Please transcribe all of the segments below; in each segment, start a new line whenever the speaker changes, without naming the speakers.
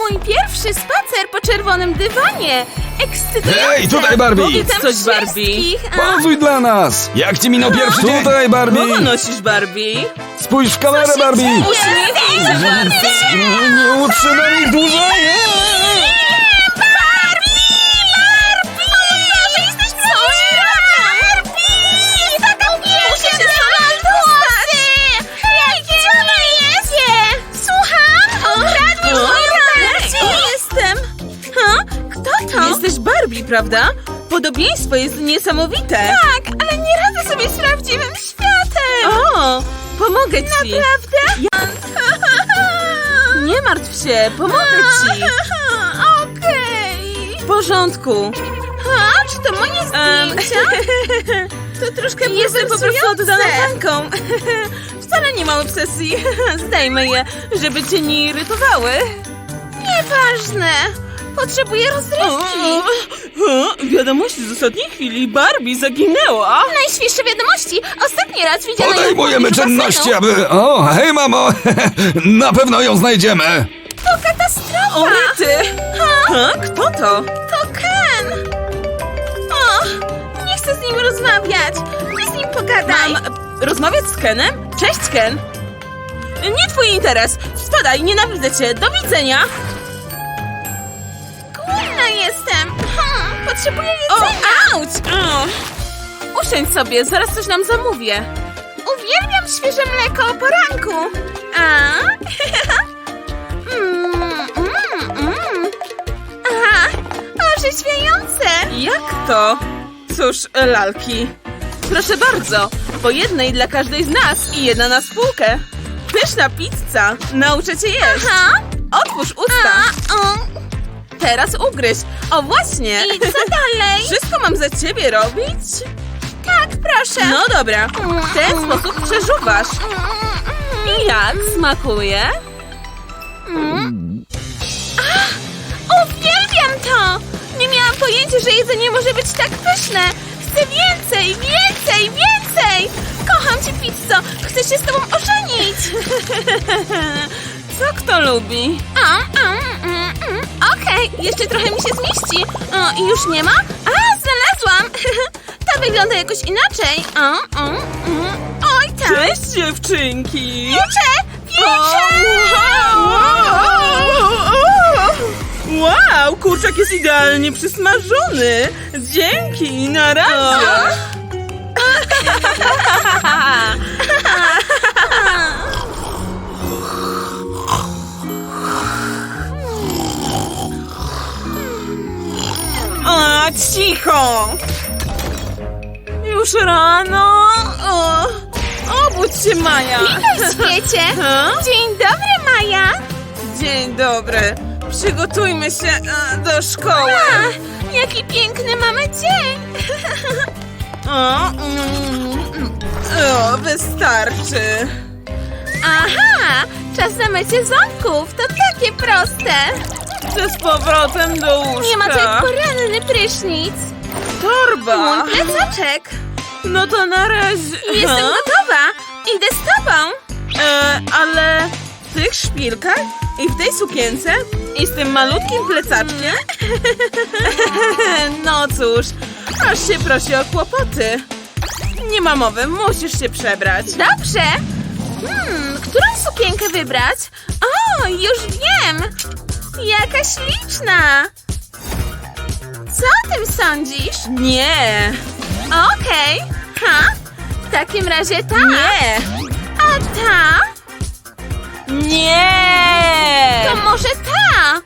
mój pierwszy spacer po czerwonym dywanie. Ekscytujące.
Hej, tutaj Barbie!
Witam
Coś, Barbie.
wszystkich.
Pozuj dla nas! Jak ci minął pierwszy dzień? Tutaj Barbie!
Kogo nosisz, Barbie?
Spójrz w kamerę Barbie!
Uśmiechnij się, Barbie.
Nie utrzymam ich dłużej!
Jesteś Barbie, prawda? Podobieństwo jest niesamowite.
Tak, ale nie radzę sobie z prawdziwym światem.
O, pomogę ci.
Naprawdę?
Nie martw się, pomogę ci.
Okej.
W porządku.
A, czy to moje zdjęcia? To troszkę
Jestem po prostu oddana
bulwersujące.
fanką. Wcale nie mam obsesji. Zdejmę je, żeby cię nie irytowały.
Nieważne. Potrzebuję rozrywki.
Wiadomości z ostatniej chwili. Barbie zaginęła.
Najświeższe wiadomości. Ostatni raz widziano ją
Podejmujemy
w basenu.
czynności, aby... O, hej mamo! Na pewno ją znajdziemy!
To katastrofa.
O, rety. Kto to?
To Ken. O, nie chcę z nim rozmawiać. Ty z nim pogadaj.
Mam rozmawiać z Kenem? Cześć, Ken. Nie twój interes. Spadaj, nienawidzę cię. Do widzenia.
Głodna jestem. Potrzebuję
O,
jedzenia.
auć. Usiądź sobie, zaraz coś nam zamówię.
Uwielbiam świeże mleko o poranku. A? Aha, orzeźwiające.
Jak to? Cóż, lalki. Proszę bardzo, po jednej dla każdej z nas i jedna na spółkę. Pyszna pizza. Nauczę cię jeść.
Aha.
Otwórz usta. Teraz ugryź. O, właśnie.
I co dalej?
Wszystko mam za ciebie robić?
Tak, proszę.
No dobra. W ten sposób przeżuwasz. I jak smakuje?
Uwielbiam to! Nie miałam pojęcia, że jedzenie może być tak pyszne. Chcę więcej, więcej, więcej! Kocham cię, pizzo! Chcę się z tobą ożenić!
Co kto lubi?
Okej, jeszcze trochę mi się zmieści. O, i już nie ma? A, znalazłam! Ta wygląda jakoś inaczej. Oj, tak!
Cześć, dziewczynki!
Wiecze!
Wow, kurczak jest idealnie przysmażony. Dzięki, na razie. O, cicho. Już rano. Obudź się, Maja.
Witaj, świecie! Dzień dobry, Maja!
Dzień dobry. Przygotujmy się do szkoły.
Jaki piękny mamy dzień!
Wystarczy.
Aha! Czas na mycie ząbków! To takie proste!
Chcę z powrotem do łóżka.
Nie ma to jak poranny prysznic!
Torba.
Mój plecaczek!
No to na razie.
Jestem gotowa! Idę z tobą!
Ale w tych szpilkach i w tej sukience i z tym malutkim plecaczkiem? No cóż, aż się prosi o kłopoty. Nie ma mowy, musisz się przebrać.
Dobrze! Którą sukienkę wybrać? O, już wiem! Jaka śliczna! Co o tym sądzisz?
Nie,
Okej! W takim razie ta!
nie,
A ta?
nie!
To może ta?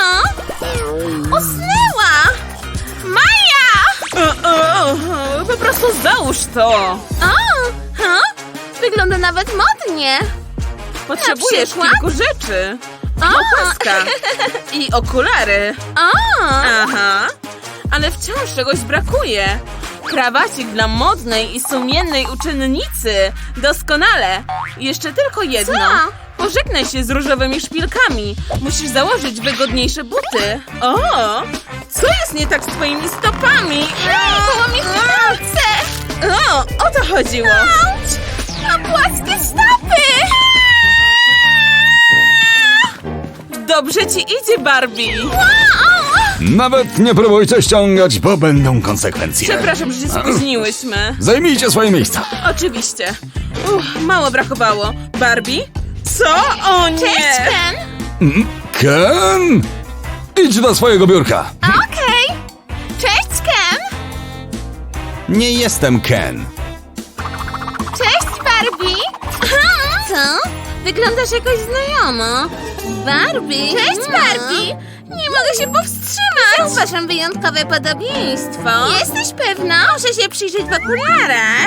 Usnęła! Maja!
Po prostu załóż to.
Wygląda nawet modnie!
Potrzebujesz
przykład?
kilku rzeczy. Opaska i okulary. Aha, ale wciąż czegoś brakuje. Krawacik dla modnej i sumiennej uczennicy. Doskonale. Jeszcze tylko jedno.
Co?
Pożegnaj się z różowymi szpilkami. Musisz założyć wygodniejsze buty. O, co jest nie tak z twoimi stopami?
Połamie palce!
O to chodziło.
Auć! Mam płaskie stopy!
Dobrze ci idzie, Barbie.
Nawet nie próbujcie ściągać, bo będą konsekwencje.
Przepraszam, że się spóźniłyśmy.
Zajmijcie swoje miejsca.
Oczywiście. Mało brakowało. Barbie? Co? O nie!
Cześć, Ken!
Ken? Idź do swojego biurka.
Okej! Cześć, Ken!
Nie jestem Ken.
Cześć, Barbie! Co? Wyglądasz jakoś znajomo. Barbie! Cześć, Barbie! Nie mogę się powstrzymać! Zauważam wyjątkowe podobieństwo. Jesteś pewna? Muszę się przyjrzeć w okularach.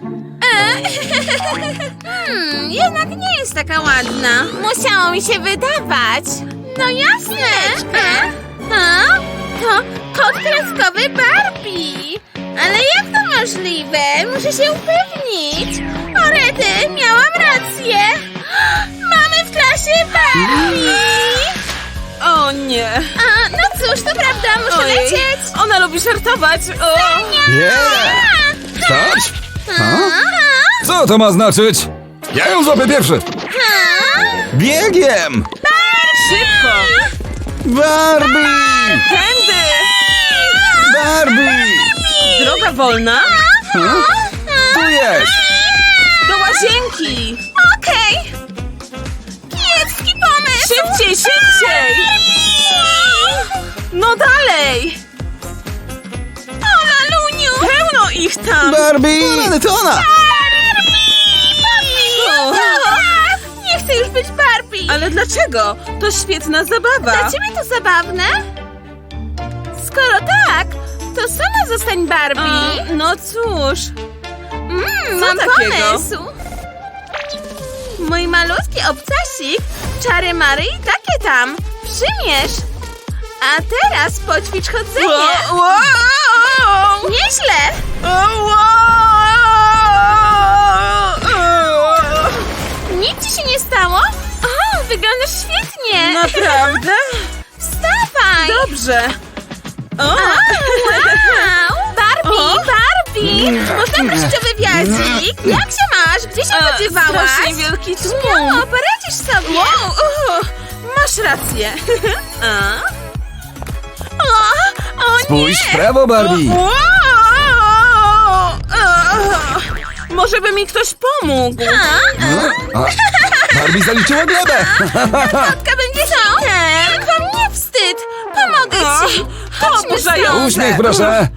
Jednak nie jest taka ładna. Musiało mi się wydawać. No jasne. To kod kreskowy Barbie. Ale jak to możliwe? Muszę się upewnić. O rety, miałam rację. Mamy w klasie Barbie.
O nie!
No cóż, to prawda, muszę
Ojej,
lecieć.
ona lubi żartować. O!
Stać! Co to ma znaczyć? Ja ją złapię pierwszy. Biegiem!
Szybko!
Barbie!
Tędy!
Barbie!
Droga wolna?
Tu jest!
Do łazienki!
Okej. Kiepski pomysł.
Szybciej, szybciej! No dalej!
O, Laluniu.
Pełno ich tam!
Barbie! Ale to ona!
O,
Nie chcę już być Barbie.
ale dlaczego? To świetna zabawa!
Dla ciebie to zabawne? Skoro tak, to sama zostań Barbie.
No cóż,
Mam
takiego?
pomysł. Mój malutki obcasik, czary mary i takie tam. Przymierz. A teraz poćwicz chodzenie. Nieźle. Nic ci się nie stało? O, wyglądasz świetnie.
Naprawdę?
Wstawaj.
Dobrze! O!
Wow. Barbie,
O.
Barbie. Można prosić o wywiadzik? Jak się masz? Gdzie się podziewałaś?
Strasznie wielki tłum!
Śmiało, poradzisz sobie.
Wow, masz rację! A? O
Spójrz w prawo, Barbie!
Wow! Może by mi ktoś pomógł?
A, Barbie zaliczyła glebę!
Kotka będzie hitem. To mnie wstyd. Pomogę ci. Chodźmy
Oburzające.
stąd.
Uśmiech, proszę!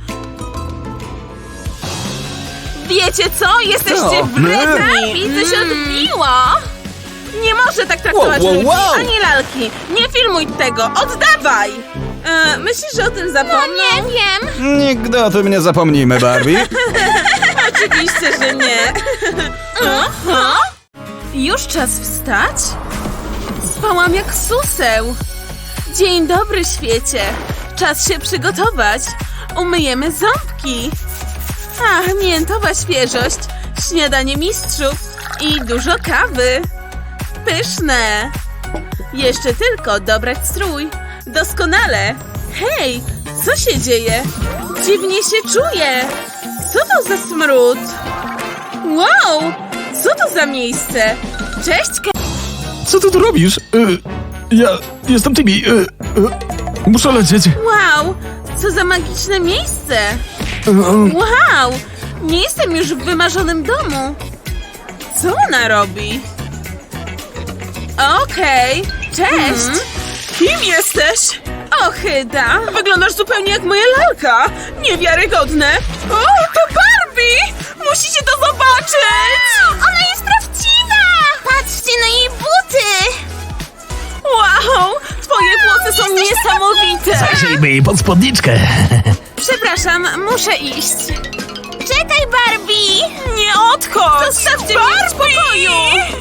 Wiecie co? Jesteście
Co?
wredni!
Barbie, to się odbiło.
Nie może tak traktować
Wow, wow,
ludzi,
wow.
ani lalki! Nie filmuj tego! Oddawaj! Myślisz, że o tym
No
zapomnę?
nie wiem.
Nigdy o tym nie zapomnijmy, Barbie.
Oczywiście, że nie. Aha. Już czas wstać? Spałam jak suseł. Dzień dobry, świecie. Czas się przygotować. Umyjemy ząbki. Ach, miętowa świeżość, śniadanie mistrzów i dużo kawy. Pyszne. Jeszcze tylko dobrać strój. Doskonale. Hej, co się dzieje? Dziwnie się czuję. Co to za smród? Wow, co to za miejsce? Cześć,
Co ty tu robisz? Ja jestem Timmy. Muszę lecieć.
Wow, co za magiczne miejsce. Wow, nie jestem już w wymarzonym domu. Co ona robi? Okej, cześć. Kim jesteś? Ochyda. Wyglądasz zupełnie jak moja lalka. Niewiarygodne. O, to Barbie! Musicie to zobaczyć!
Ona jest prawdziwa. Patrzcie na jej buty.
Wow, twoje włosy są niesamowite.
Zajrzyjmy jej pod spódniczkę.
Przepraszam, muszę iść.
Czekaj, Barbie.
Nie odchodź! Zostawcie mnie w spokoju!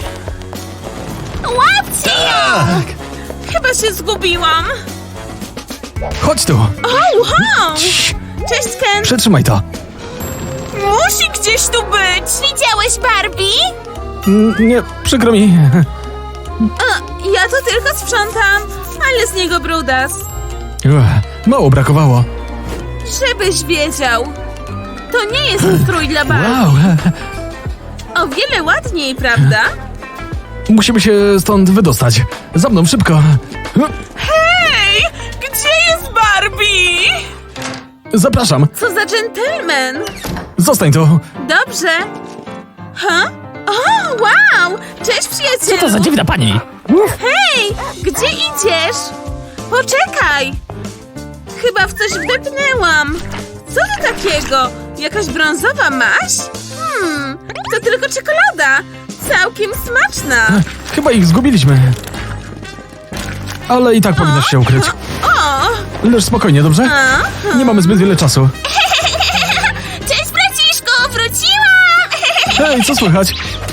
Łapcie ją.
Tak.
Chyba się zgubiłam.
Chodź tu.
O, wow! Cześć, Ken.
Przetrzymaj to.
Musi gdzieś tu być.
Widziałeś Barbie?
Nie, przykro mi.
Ja to tylko sprzątam, ale z niego brudas.
Mało brakowało.
Żebyś wiedział. To nie jest strój dla Barbie.
Wow.
O wiele ładniej, prawda?
Musimy się stąd wydostać. Za mną, szybko.
Hej! Gdzie jest Barbie?
Zapraszam,
Co za dżentelmen!
zostań tu.
Dobrze. Ha? O, wow! Cześć, przyjacielu!
Co to za dziwna pani?
Hej! Gdzie idziesz? Poczekaj! Chyba w coś wdepnęłam. Co to takiego? Jakaś brązowa maź? To tylko czekolada. Całkiem smaczna.
Chyba ich zgubiliśmy. Ale i tak powinnaś się ukryć.
O!
Leż spokojnie, dobrze?
A?
Nie mamy zbyt wiele czasu.
Cześć, braciszku, wróciłam!
Hej, co słychać?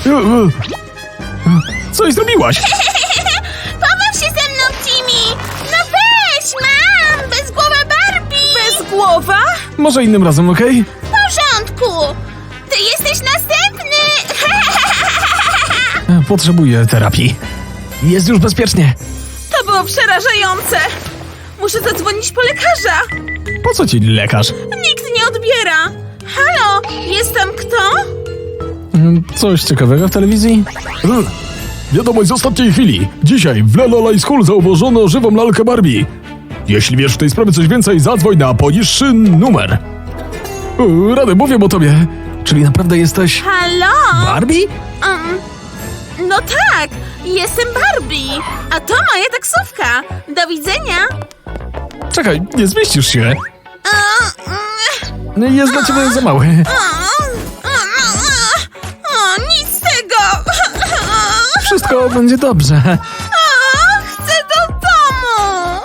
Co jej zrobiłaś?
Pobaw się ze mną, Timmy! No weź, mam! Bezgłowa Barbie!
Bez głowa?
Może innym razem, okej?
W porządku! Ty jesteś następny!
Potrzebuję terapii. Jest już bezpiecznie.
To było przerażające. Muszę zadzwonić po lekarza.
Po co ci lekarz?
Nikt nie odbiera. Halo, jest tam kto?
Coś ciekawego w telewizji? Wiadomość z ostatniej chwili. Dzisiaj w La La School zauważono żywą lalkę Barbie. Jeśli wiesz w tej sprawie coś więcej, zadzwoń na poniższy numer. Rady, mówię o tobie. Czyli naprawdę jesteś
Halo?
Barbie?
No tak, jestem Barbie. A to moja taksówka. Do widzenia.
Czekaj, nie zmieścisz się. Jest dla ciebie za mały.
O, nic z tego.
Wszystko będzie dobrze.
Chcę do domu.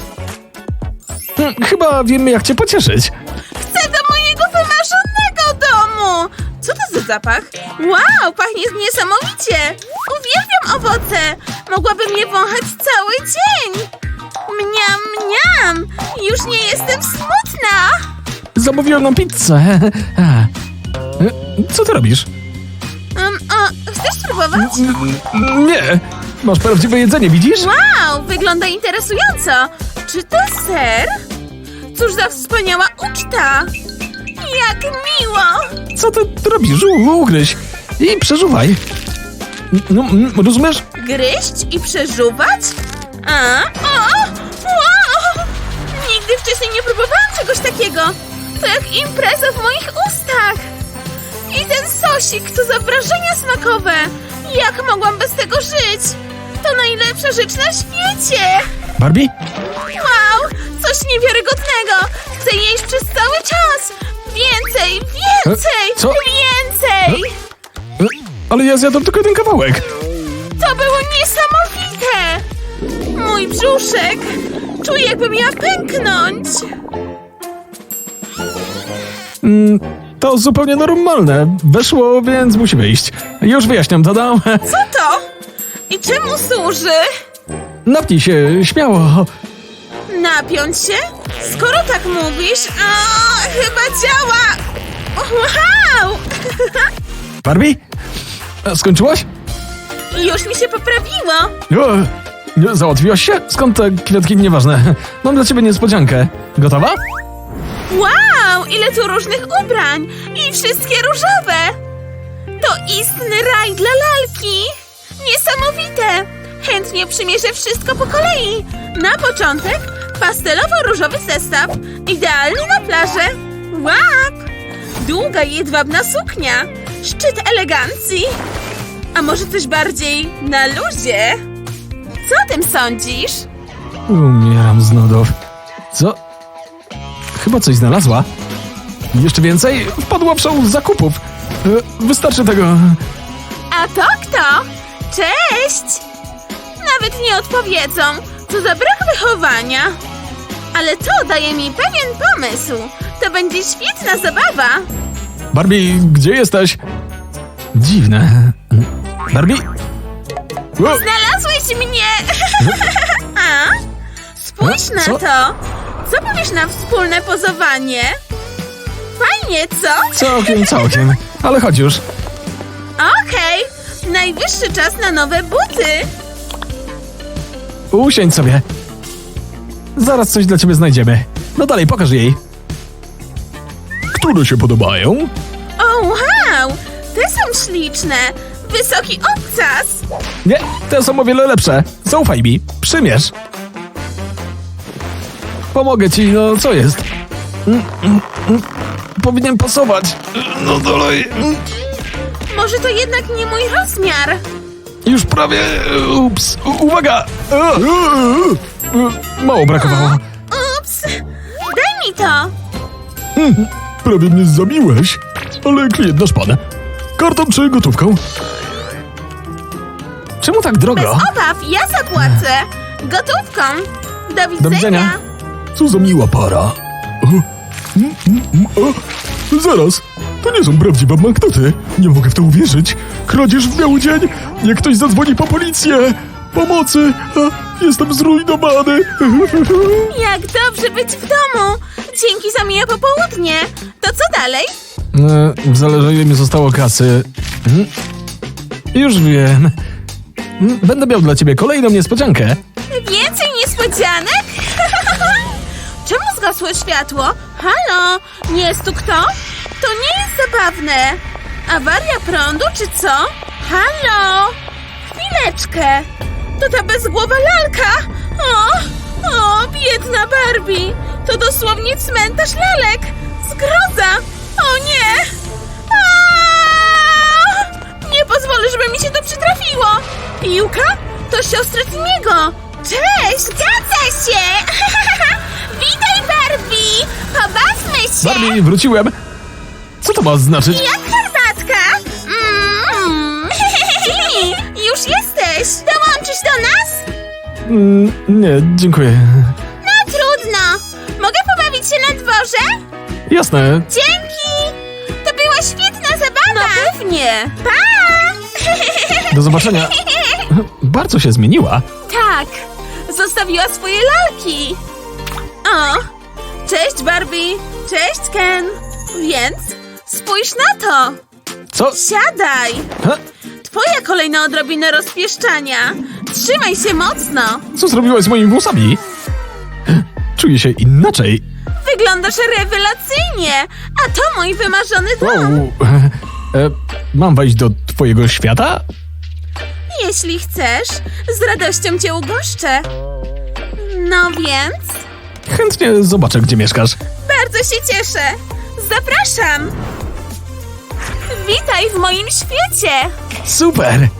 Chyba wiemy, jak cię pocieszyć.
Chcę do mojego wymarzonego domu. Co to za zapach? Wow, pachnie niesamowicie. Uwielbiam owoce. Mogłabym je wąchać cały dzień. Mniam, mniam. Już nie jestem smutna.
Zamówiłem nam pizzę. Co ty robisz?
Chcesz spróbować?
Nie. Masz prawdziwe jedzenie, widzisz?
Wow, wygląda interesująco. Czy to ser? Cóż za wspaniała uczta. Jak miło.
Co ty robisz? Ugryź. I przeżuwaj. No, rozumiesz?
Gryźć i przeżuwać? Wow! Nigdy wcześniej nie próbowałam czegoś takiego. To jak impreza w moich ustach. I ten sosik, to za wrażenia smakowe. Jak mogłam bez tego żyć? To najlepsza rzecz na świecie.
Barbie?
Wow, coś niewiarygodnego. Chcę jeść przez cały czas. Więcej, więcej,
Co?
więcej.
Ale ja zjadłem tylko jeden kawałek.
To było niesamowite! Mój brzuszek! Czuję, jakbym miała pęknąć!
To zupełnie normalne. Weszło, więc musi wyjść. Już wyjaśniam, dodam.
Co to? I czemu służy?
Napnij się, śmiało.
Napiąć się? Skoro tak mówisz, chyba działa! Wow!
Barbie? Skończyłaś?
Już mi się poprawiło!
Załatwiłaś się? Skąd te kwiatki? Nieważne. Mam dla ciebie niespodziankę. Gotowa?
Wow! Ile tu różnych ubrań! I wszystkie różowe! To istny raj dla lalki! Niesamowite! Chętnie przymierzę wszystko po kolei. Na początek pastelowo-różowy zestaw. Idealny na plażę. Łap! Długa jedwabna suknia. Szczyt elegancji. A może coś bardziej na luzie? Co o tym sądzisz?
Umieram z nudów. Co? Chyba coś znalazła. Jeszcze więcej? Wpadła w szał zakupów. Wystarczy tego.
A to kto? Cześć! Nawet nie odpowiedzą. Co za brak wychowania. Ale to daje mi pewien pomysł. To będzie świetna zabawa.
Barbie, gdzie jesteś? Dziwne. Barbie? O,
Znalazłeś mnie! A? Spójrz na
Co?
to. Co powiesz na wspólne pozowanie? Fajnie, co?
całkiem. Ale chodź już.
Okej. Najwyższy czas na nowe buty.
Usiądź sobie. Zaraz coś dla ciebie znajdziemy. No dalej, pokaż jej. Które się podobają?
O, wow! Te są śliczne. Wysoki obcas.
Nie, te są o wiele lepsze. Zaufaj mi. Przymierz. Pomogę ci, no co jest? Powinien pasować. No dalej.
Może to jednak nie mój rozmiar.
Już prawie. Ups. Uwaga! Mało brakowało.
Ups! Daj mi to!
Prawie mnie zabiłeś. Ale klient nasz pan. Kartą czy gotówką? Czemu tak
Bez
drogo?
obaw, ja zapłacę. Gotówką. Do widzenia.
Do widzenia. Co za miła para. Zaraz. To nie są prawdziwe banknoty. Nie mogę w to uwierzyć. Kradzież w biały dzień. Niech ktoś zadzwoni po policję. Pomocy. Jestem zrujnowany.
Jak dobrze być w domu. Dzięki za miłe popołudnie. To co dalej?
Zależy, ile mi zostało kasy. Już wiem. Będę miał dla ciebie kolejną niespodziankę.
Więcej niespodzianek? Czemu zgasło światło? Halo? Nie jest tu kto? To nie jest zabawne. Awaria prądu czy co? Halo? Chwileczkę. To ta bezgłowa lalka. O, biedna Barbie. To dosłownie cmentarz lalek. Zgroza. O nie. Nie pozwolę, żeby mi się to przytrafiło. Piłka? To siostra Timiego. Cześć, zgadza się. Witaj, Barbie. Pobawmy się.
Barbie, wróciłem. Co to ma znaczyć?
Jak herbatka? Timi, już jesteś. Dołączysz do nas?
Nie, dziękuję.
No trudno. Mogę pobawić się na dworze?
Jasne.
Dzięki. To była świetna zabawa. No pewnie. Pa.
Do zobaczenia. Bardzo się zmieniła.
Tak, zostawiła swoje lalki. O, cześć Barbie, cześć Ken. Więc spójrz na to.
Co?
Siadaj.
Ha?
Twoja kolejna odrobina rozpieszczania. Trzymaj się mocno.
Co zrobiłaś z moimi włosami? Czuję się inaczej.
Wyglądasz rewelacyjnie. A to mój wymarzony dom.
Mam wejść do twojego świata?
Jeśli chcesz, z radością cię ugoszczę. No więc,
Chętnie zobaczę, gdzie mieszkasz.
bardzo się cieszę. Zapraszam. Witaj w moim świecie.
Super!